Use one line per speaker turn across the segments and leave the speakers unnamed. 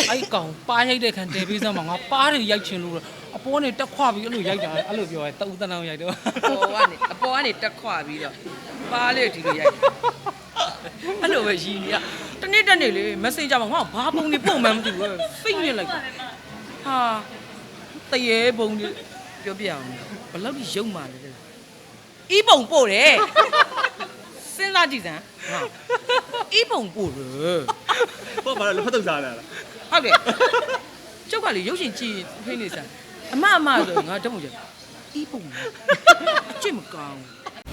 အဲ့ကောင်ပါရိုက်တဲ့ခံတယ်ပေးစမ်းမှာငါပါးတွေရိုက်ချင်လို့အပေါ်ကနေတက်ခွပြီးအဲ့လိုရိုက်တာအဲ့လိုပြောရဲတဦးတန်းရိုက်တော့
အပေါ်ကနေတက်ခွပြီးတော့ပါးလေးဒီလိုရိုက်အဲ့လိုပဲရည်နေရတနေ့တက်နေလေ message မှာငါဘာပုံနေပုံမှန်မသိဘူးဖိတ်ညစ်လိုက်ဟာတရေပုံနေပြောပြအောင်ဘယ်လောက်ကြီးရုံမာလဲအီးပုံပို့တယ်စဉ်းစားကြည့်စမ်းဟာအီးပုံပို့တယ်
ပေါ့ဘာလဲဖတ်တော့စားလာလား
ဟုတ်တယ်ကျုပ်ကလေရုပ်ရှင်ကြည့်ဖိနေစမ်းအမဆိုငါတုံးကြအီးပုံကြည့်မကောင်း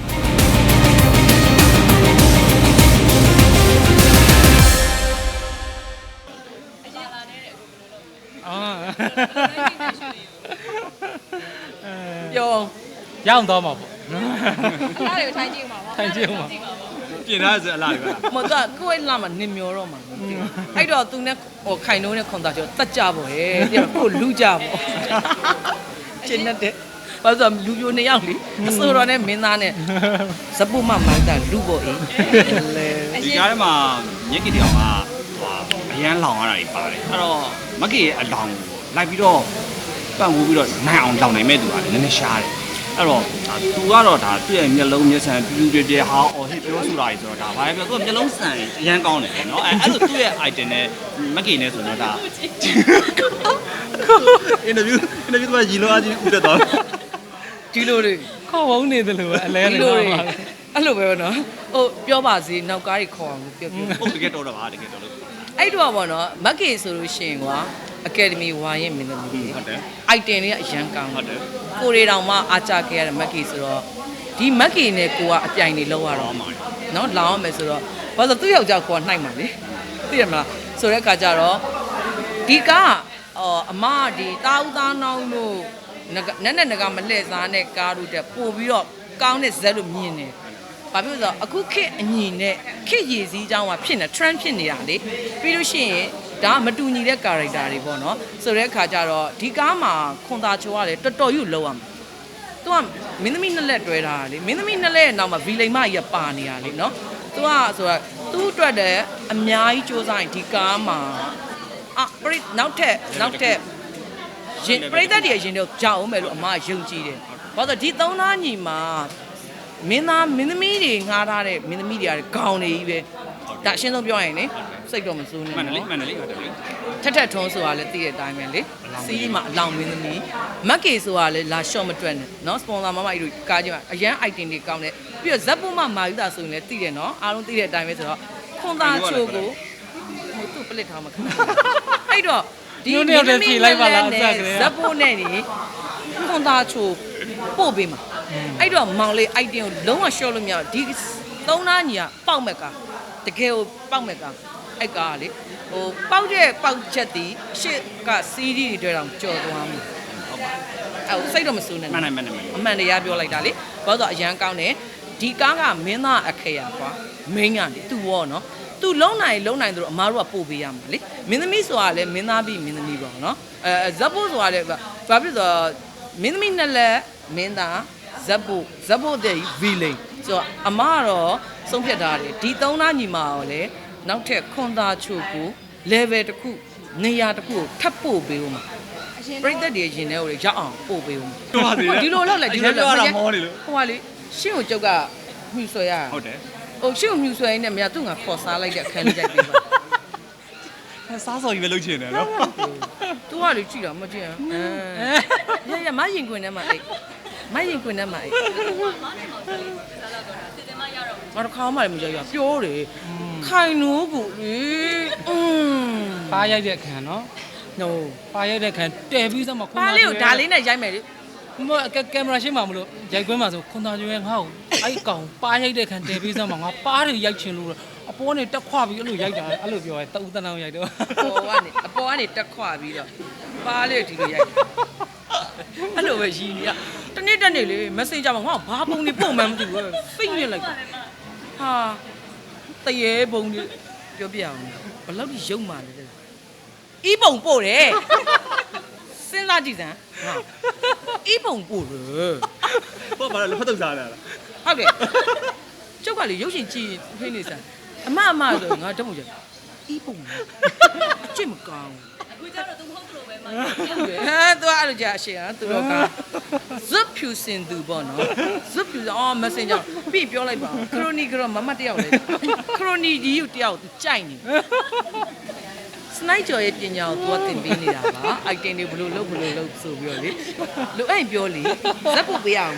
ပြော
ရအောင်တော့မှာပေါ့
အဲ့ဒါကိုထိုင်ကြည့်မှာပေါ့
ထိုင်ကြည့်မှာ
ပြင်ထားစအလားတွေ
မတော့ကိုယ်လာမှာနင်မျောတော့မှာအဲ့တော့သူနဲ့ဟိုခိုင်နှုံးနဲ့ခွန်သားကျော်တက်ကြပေါ့ဟဲ့တဲ့ကိုလူကြပေါ့ရှင်းတဲ့ဘာလို့လူပြို2ယောက်လीအစိုးရနဲ့မင်းသားနဲ့ဇပုမမိုင်းတာလူပေါ့အေး
ဒီကားထဲမှာမြင့်ကီတယောက်ကအရန်လောင်ရတာတွေပါတယ်အဲ့တော့မက်ကီရဲ့အလောင်လိုက်ပြီးတော့ပန့်ဝူးပြီးတော့နိုင်အောင်လောင်နိုင်မဲ့သူကလည်းနည်းနည်းရှားတယ်အဲ့တော့သူကတော့ဒါသူ့ရဲ့မျက်လုံးမျက်စံပြူပြပြဟာအော်ဟစ်ပြောဆိုတာကြီးဆိုတော့ဒါဘာပဲပြောသူကမျက်လုံးစံအရန်ကောင်းတယ်เนาะအဲ့လိုသူ့ရဲ့ item နဲ့မက်ကီနဲ့ဆိုတော့ဒါအင်တာဗျူးကရီလိုအားချင်းဥတက်သွား
ဒီလိုတွေ
ခေါ်ဝုန်းနေတယ်လို့အလဲနေတော့ပါ
အဲ့လိုပဲနော်ဟိုပြောပါစေနောက်ကားကြီးခေါ်အောင်ပြော
ဟုတ်တကယ်တော်တော့ပါတကယ်တော်လို့
အဲ့တော့ပေါ့နော်မက်ကီဆိုလို့ရှိရင်ကွာအကယ်ဒမီဝါရင်မင်းသမီး
ဟုတ်တယ်
item တွေကအရန်ကောင်း
ဟုတ်တယ်
ကိုရီတောင်မှအားကြခဲ့ရတဲ့မက်ကီဆိုတော့ဒီမက်ကီနဲ့ကိုကအပြိုင်နေလောက်ရတော့နော်လောင်းရမယ်ဆိုတော့ဘာလို့သူ့ယောက်ျားကိုကနှိုက်မှာလေသိရမလားဆိုတဲ့အခါကျတော့ဒီကအမဒီတာဦးသားနောင်းတို့နက်နကမလှည့်စားနဲ့ကားတို့တက်ပို့ပြီးတော့ကောင်းတဲ့ဇက်လို့မြင်တယ်ဘာဖြစ်လို့ဆိုတော့အခုခေတ်အညီနဲ့ခေတ်ရည်စည်းအကြောင်းကဖြစ်နေ trend ဖြစ်နေတာလေပြီးလို့ရှိရင်ဒါမတူညီတဲ့ character တွေပေါ့နော်ဆိုတဲ့အခါကျတော့ဒီကားမှာခွန်သားချိုကလည်းတော်တော်ယူလောက်ရမှာသူကမင်းသမီးနှစ်လက်တွဲထားတာလေမင်းသမီးနှစ်လက်ရဲ့နောက်မှာဗီလိန်မကြီးပါနေရလေနော်သူကဆိုတော့သူ့အတွက်တည်းအများကြီးစူးစမ်းရင်ဒီကားမှာနောက်ထက်ရင်ပရိသတ်တွေရင်တော့ကြောက်အောင်မယ်လို့အမယုံကြည်တယ်ဘာလို့ဒီသုံးသားညီမှာမင်းသမီးတွေငှားထားတဲ့မင်းသမီးတွေကခေါင်းနေကြီးပဲဒါအရှင်းဆုံးပြောရင်လေစိတ်တော့မစိုးနဲ့နော်
မှန်တယ်လေဟုတ်တယ်လေ
ထက်ထုံးဆိုတာလည်းသိတဲ့အတိုင်းပဲလေစီးမှာအလောင်းမင်းသမီးမက်ကီဆိုတာလည်းလာရှော့မတွက်နဲ့နော်စပွန်ဆာမမကြီးတို့ကားကြီးမှာအရန် item တွေကောင်းတယ်ပြီးတော့ဇက်ပုမမာယူတာဆိုရင်လည်းသိတယ်နော်အားလုံးသိတဲ့အတိုင်းပဲဆိုတော့ခွန်သားချိုကိုဟိုသူ့ပလစ်ထားမှာခဏအဲ့တော့ဒီမင်းသမီးလိုက်ပါလားဇက်ပုနဲ့နေခွန်သားချိုပို့ပေးမှာအဲ့တော့မောင်လေး item ကိုလုံးဝ short လို့မရဒီသုံးသားညီကပေါက်မဲ့ကားတကယ်ကိုပေါက်မဲ့ကားအဲ့ကားလေဟိုပေါက်တဲ့ပေါက်ချက်တီရှစ်ကစီးဒီတွေတောင်ကြော်သွားမှာဟုတ်ပါအဲ့စိတ်တော့မစိုးနဲ့
မှန်
အမှန်တရားပြောလိုက်တာလေဘာလို့ဆိုအရန်ကောင်းတယ်ဒီကားကမင်းသားအခရာကွာမင်းကလေသူရောနော်သူလုံနိုင်သူတို့အမားတို့ကပို့ပေးရမှာလေမင်းသမီးဆိုတာလည်းမင်းသားပြီးမင်းသမီးပေါ့နော်ဇက်ဖို့ဆိုတာလည်းဘာဖြစ်ဆိုမင်းသမီးနဲ့လည်းမင်းသားဇက်ဖို့တဲ့ဗီလိန်ဆိုတော့အမားကတော့ဆုံးဖြတ်ထားတယ်ဒီသုံးသားညီမရောလေနောက်ထပ်ခွန်သားချိုကို level တစ်ခုနေရာတစ်ခုကိုထပ်ပို့ပေးဦးမှာပရိသတ်တွေရင်ထဲကိုရောက်အောင်ပို့ပေးဦးမှာဒီလိုလောက်လိုက်ဒီလိုလောက်ဟိုကလေရှင်းကိုကျုပ်ကမြှူဆွဲရ
ဟုတ်တယ်
ဟိုရှင်းကိုမြှူဆွဲနေမြတ်သူ့ငါခေါ်စားလိုက်တဲ့အခန်းလေးရိုက်ပေးပါ
စားစော်ကြီးပဲလုပ်ချင်တယ်နော်
သူကလေကြည့်တာမကြည့်ရမရင်ခွင်ထဲမှာအိတ်မရင်ခွင်ထဲမှာအိတ်ငါတို့ခေါင်းမှလည်းမကြောက်ရပြောတယ်ခိုင်နိုးကိုလေ
ပါရိုက်တဲ့ခံနော်ဟိုပါရိုက်တဲ့ခံတဲပြီးစမ်းမှာ
ခွန်သားပါလေးကိုဒါလေးနဲ့ရိုက်မယ်လေ
မကင်မရာရှင်းမှာမလို့ရိုက်ခွင်းမှာဆိုခွန်သားကျွဲငါ့ကိုအဲ့ကောင်ပါရိုက်တဲ့ခံတဲပြီးစမ်းမှာငါပါးတွေရိုက်ချင်လို့အပေါ်ကနေတက်ခွပြီးအဲ့လိုရိုက်တာအဲ့လိုပြောရဲတဦးတန်းရိုက်တော့
အပေါ်ကနေတက်ခွပြီးတော့ပါလေးဒီလိုရိုက်အဲ့လိုပဲရည်နေရတနေ့တက်နေလေ message မှာငါဘာပုံနေပုံမှန်မသိဘူးဖိတ်ညစ်လိုက်ဟာတရေပုံနေပြောပြအောင်ဘယ်လောက်ကြီးရုံမာလဲအီးပုံပို့တယ်စဉ်းစားကြည့်စမ်းဟာအီးပုံပို့တယ်
ပေါ့ဘာလဲဖတ်တော့စားလာလား
ဟုတ်တယ်ကျုပ်ကလေရုပ်ရှင်ကြည့်ဖိနေစမ်းအမဆိုငါတုံးကြအီးပုံကြည့်မကောင်း
ကျတော့သူမဟုတ်လို့ပဲမ
သူအဲ့လိုကြာအရှင်သူတော့ကဇွတ်ဖြူစင်သူပေါ့နော်ဇွတ်ဖြူအော်မစင်ကြောင့်ပြီးပြောလိုက်ပါခရိုနီကတော့မမတယောက်လေခရိုနီဒီကိုတယောက်သူကြိုက်နေစနိုက်ကျော်ရဲ့ပညာကိုသူကသင်ပေးနေတာပါအိုက်တင်တွေဘလို့လုပ်ဆိုပြီးတော့လေလူအဲ့ပြောလေဇက်ပုတ်ပေးရအောင်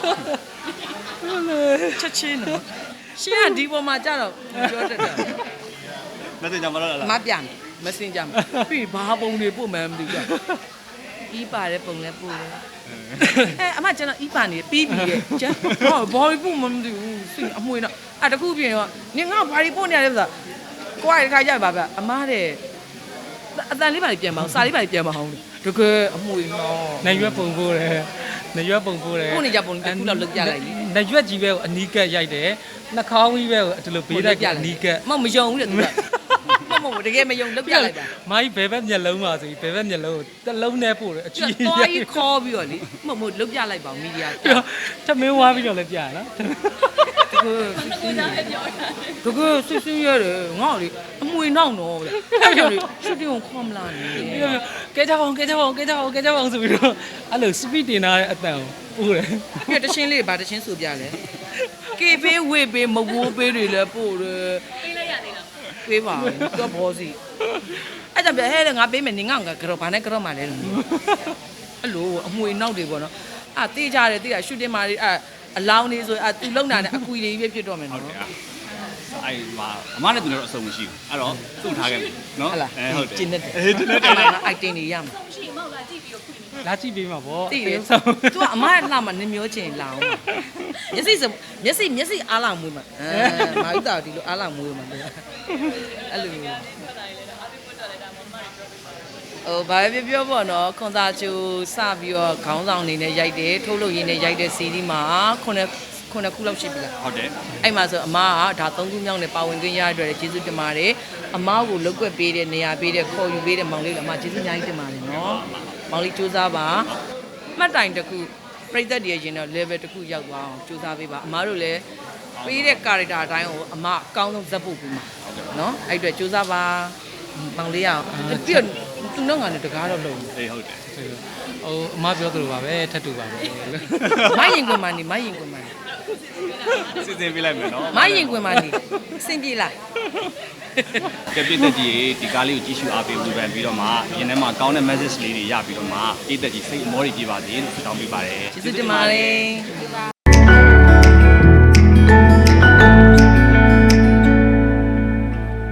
ချက်ချင်းနော်ရှင်းကဒီပေါ်မှာကြတော့ပြောတတ်တယ်
မစင်ကြမလို့လား
မပြန်မစင်ကြပြီးဘာပုံတွေပို့မှန်းမသိဘူးဤပါတဲ့ပုံလည်းပို့တယ်အမကျွန်တော်ဤပါနေပြီးပြီရဲ့ကျန်ဟောဘာပို့မှမသိဘူးစိအမွှေးတော့အဲ့တခုပြင်တော့နင်ငါဘာတွေပို့နေရလဲဆိုတာကိုယ်ကတခါကြပါဗျအမားတဲ့အတန်လေးပါပြန်မအောင်စာလေးပါပြန်မအောင်တကယ်အမွှေးနော်
နိုင်ရွက်ပုံပိုးတယ်နိုင်ရွက်ပုံပိုးတယ်
ပို့နေကြပုံတစ်ခုတော့လုတ်ပြလိုက်လေ
နိုင်ရွက်ကြီးပဲကိုအနီးကပ်ရိုက်တယ်နှာခေါင်းကြီးပဲကိုဒီလိုဘေးတက်ကအနီးကပ်
မယုံဘူးလေသူကမတကယ်မယုံလုတ်ပြလိုက်တာ
မိုင်းဘယ်ဘက်မျက်လုံးပါဆိုပြီးဘယ်ဘက်မျက်လုံးကိုတစ်လုံးနဲ့ပို့တယ်အကြည့်
သွားကြီးခေါ်ပြီးတော့လေမလုတ်ပြလိုက်ပါမီဒီယာ
ထမင်းဝါပြီးတော့လည်းပြရနော်
တကယ်စစ်စစ်ရတယ်ငါ့လေအမွေနောက်တော့ဗျအဲ့ကြောင့်လေရှူတင်ကိုခေါ်မလာနေ
ကဲကြပါအောင်ဆိုပြီးတော့အဲ့လို speed တင်ထားတဲ့အတန်ကိုပို့တယ်
ပြတချင်းလေးဗာတချင်းဆိုပြလဲကေပေးဝေးပေးမဝိုးပေးတွေလည်းပို့တယ်
ပေးလိုက်ရသေးလား
ပေးပါတော့ဘောစီအဲ့ကြောင့်ပြဟဲ့ငါပေးမယ်နေငါကတော့ဘာနဲ့ကတော့မှလဲအဲ့လိုအမွေနောက်တွေပေါ့နော်အာတေးကြတယ်တေးတာရှူတင်မာတွေအလောင်းနေဆိုသူလုံတာနဲ့အကွီတွေပဲဖြစ်တော့မယ်နော်
အဲ့မှာအမနဲ့သူတို့အဆုံမရှိဘူးအဲ့တော့သူ့ထားခဲ့ပြီနော်
ဟုတ်လား
ဟုတ်တယ်
ကျင်းနေတယ်
ကျင်းနေတယ်
အိုက်တင်နေရမှာ
ရှိမောက်လာကြည့်ပြီးတော့ခွင့်
လာကြည့်ပေးမှာဗော
တိတယ်သူကအမရဲ့လှမှာနင်မျိုးချင်းလာအောင်မျက်စိအားလာမွေးမှာမာဥတာဒီလိုအားလာမွေးမှာလေအဲ့လိုမျိုးဘာပဲပြောပေါ့နော်ခွန်သာချူစပြီးတော့ခေါင်းဆောင်အနေနဲ့ရိုက်တယ်ထုတ်လို့ရင်းနဲ့ရိုက်တဲ့စီးဒီမှာခုနှစ်ခုလောက်ရှိပြီလား
ဟုတ်တယ်
အဲ့မှာဆိုအမကဒါ3ခုမြောက်နဲ့ပါဝင်ခွင့်ရတဲ့အတွက်ကျေးဇူးတင်ပါတယ်အမကိုလုတ်ကွက်ပေးတဲ့နေရာပေးတဲ့ခေါ်ယူပေးတဲ့မောင်လေးလည်းအမကျေးဇူးအများကြီးတင်ပါတယ်နော်မောင်လေးစူးစမ်းပါမှတ်တိုင်တစ်ခုပြိသက်တည်းရင်တော့ level တစ်ခုရောက်သွားအောင်စူးစမ်းပေးပါအမတို့လည်းပေးတဲ့ character အတိုင်းကိုအမအကောင်းဆုံးဇက်ဖို့ပြီးမှာနော်အဲ့အတွက်စူးစမ်းပါမောင်လေးရအောင်ပြီးတော့သူတော့ငါနဲ့တကားတော့လုံ
အေးဟုတ်တယ်
ဟိုအမပြောသလိုပါပဲထပ်တူပါပဲ
မိုင်းရင်ကွင်မနေ
စီစဉ်ပေးလိုက်မယ်နော်
မိုင်းရင်ကွင်မနေစင်ပြေလား
ကပြည့်တက်ကြီးဒီကားလေးကိုကြည့်ရှုအားပေးဝေဖန်ပြီးတော့မှရင်ထဲမှာကောင်းတဲ့ message လေးတွေရပြီးတော့မှပြည့်တက်ကြီးစိတ်အမောတွေပြပါစေလို့ဆုတောင်းပေးပါတယ်
ကျေးဇူးတင်ပါတယ်